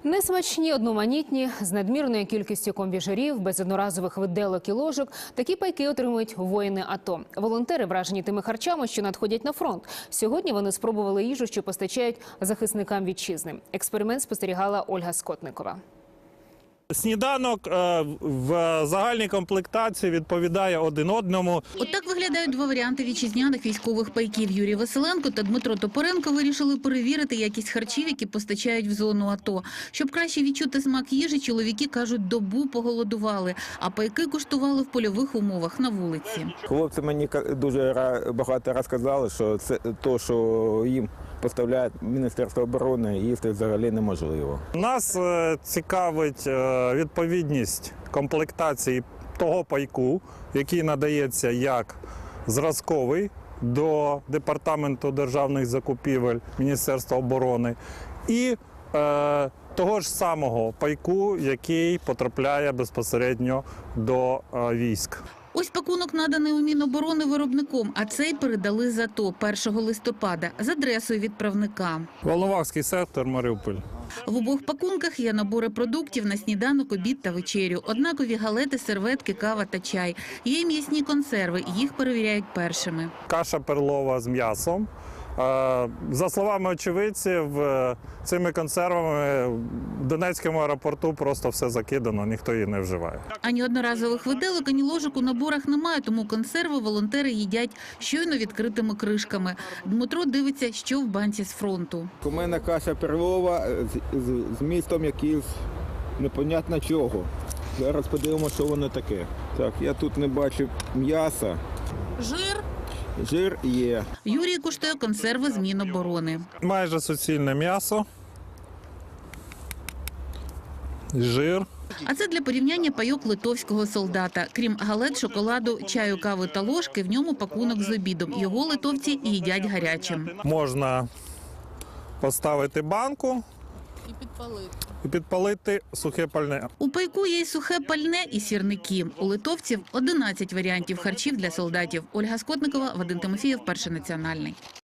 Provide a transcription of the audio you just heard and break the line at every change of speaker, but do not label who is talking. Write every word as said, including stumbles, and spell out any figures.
Несмачні, одноманітні, з надмірною кількістю комбіжерів, без одноразових виделок і ложок. Такі пайки отримують воїни АТО. Волонтери вражені тими харчами, що надходять на фронт. Сьогодні вони спробували їжу, що постачають захисникам вітчизни. Експеримент спостерігала Ольга Скотникова.
Сніданок в загальній комплектації відповідає один одному.
Отак виглядають два варіанти вітчизняних військових пайків. Юрій Василенко та Дмитро Топоренко вирішили перевірити якість харчів, які постачають в зону АТО. Щоб краще відчути смак їжі, чоловіки, кажуть, добу поголодували, а пайки куштували в польових умовах на вулиці.
Хлопці мені дуже багато розказали, що це те, що їм поставляє Міністерство оборони, їсти взагалі неможливо.
Нас цікавить відповідність комплектації того пайку, який надається як зразковий до Департаменту державних закупівель Міністерства оборони, і е, того ж самого пайку, який потрапляє безпосередньо до е, військ.
Ось пакунок наданий у Міноборони виробником, а цей передали з АТО першого листопада з адресою відправника.
Волновахський сектор, Маріуполь.
В обох пакунках є набори продуктів на сніданок, обід та вечерю. Однакові галети, серветки, кава та чай. Є й м'ясні консерви, їх перевіряють першими.
Каша перлова з м'ясом. За словами очевидців, цими консервами в Донецькому аеропорту просто все закидано, ніхто її не вживає.
Ані одноразових виделок, ані ложок у наборах немає, тому консерви волонтери їдять щойно відкритими кришками. Дмитро дивиться, що в банці з фронту.
У мене каша перлова з, з, з містом якийсь непонятно чого. Зараз подивимося, що воно таке. Так, я тут не бачу м'яса.
Жир?
Жир є.
Юрій куштує консерви з Міноборони.
Майже суцільне м'ясо, жир.
А це для порівняння пайок литовського солдата. Крім галет, шоколаду, чаю, кави та ложки, в ньому пакунок з обідом. Його литовці їдять гарячим.
Можна поставити банку
І підпалити.
і підпалити сухе пальне.
У пайку є й сухе пальне, і сірники. У литовців одинадцять варіантів харчів для солдатів. Ольга Скотникова, Вадим Тимофієв, Перший національний.